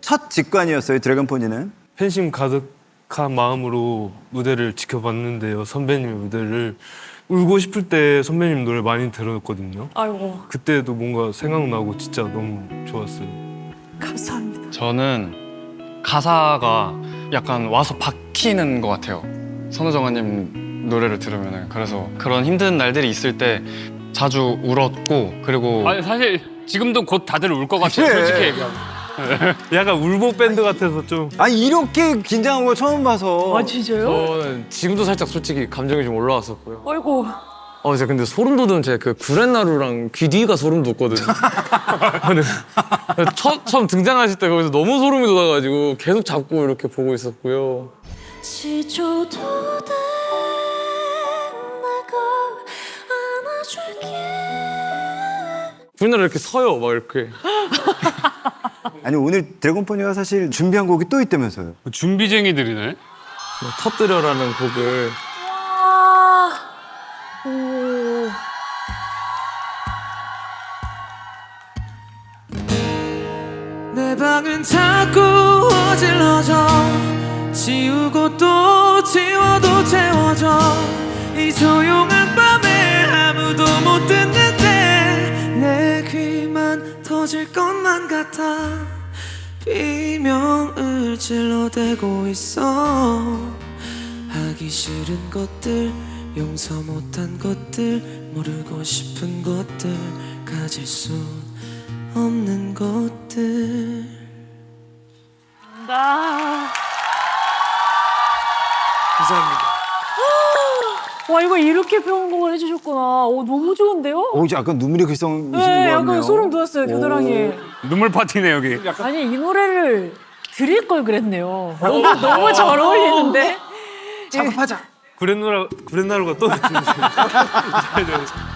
첫 직관이었어요, 드래곤포니는. 팬심 가득한 마음으로 무대를 지켜봤는데요. 선배님의 무대를. 울고 싶을 때 선배님 노래 많이 들었거든요. 아이고. 그때도 뭔가 생각나고 진짜 너무 좋았어요. 감사합니다. 저는 가사가 약간 와서 박히는 것 같아요. 선우정아님 노래를 들으면은. 그래서 그런 힘든 날들이 있을 때 자주 울었고, 그리고 아니 사실 지금도 곧 다들 울 것 같아요. 그래. 솔직히 얘기하면. 약간 울보 밴드 같아서 좀. 아니 이렇게 긴장한 거 처음 봐서. 아 진짜요? 저는 지금도 살짝 솔직히 감정이 좀 올라왔었고요. 아이고. 제가 근데 소름 돋은 제 그 구렛나루랑 귀 뒤가 소름 돋거든요. 근데 처음 등장하실 때 거기서 너무 소름이 돋아가지고 계속 잡고 이렇게 보고 있었고요. 시초도 된 내가 안아줄게. 구렛나루 이렇게 서요, 막 이렇게. 아니 오늘 드래곤포니가 사실 준비한 곡이 또 있다면서요. 준비쟁이들이네. 터뜨려라는 곡을 아. 오. 내 방은 자꾸 어질러져 지우고 또 지워도 채워져 이 조용한 밤에 아무도 못 듣는데 내 귀만 터질 것만 같아 비명을 질러대고 있어 하기 싫은 것들 용서 못한 것들 모르고 싶은 것들 가질 수 없는 것들. 나. 감사합니다. 와 이거 이렇게 편곡을 해주셨구나. 오 너무 좋은데요? 오, 이제 약간 눈물이 글썽이시는 것 네, 같네요. 약간 소름 돋았어요 겨드랑이. 눈물 파티네 여기. 아니 이 노래를 드릴 걸 그랬네요. 너무 잘 어울리는데. 작업하자. 구렛나루가 또.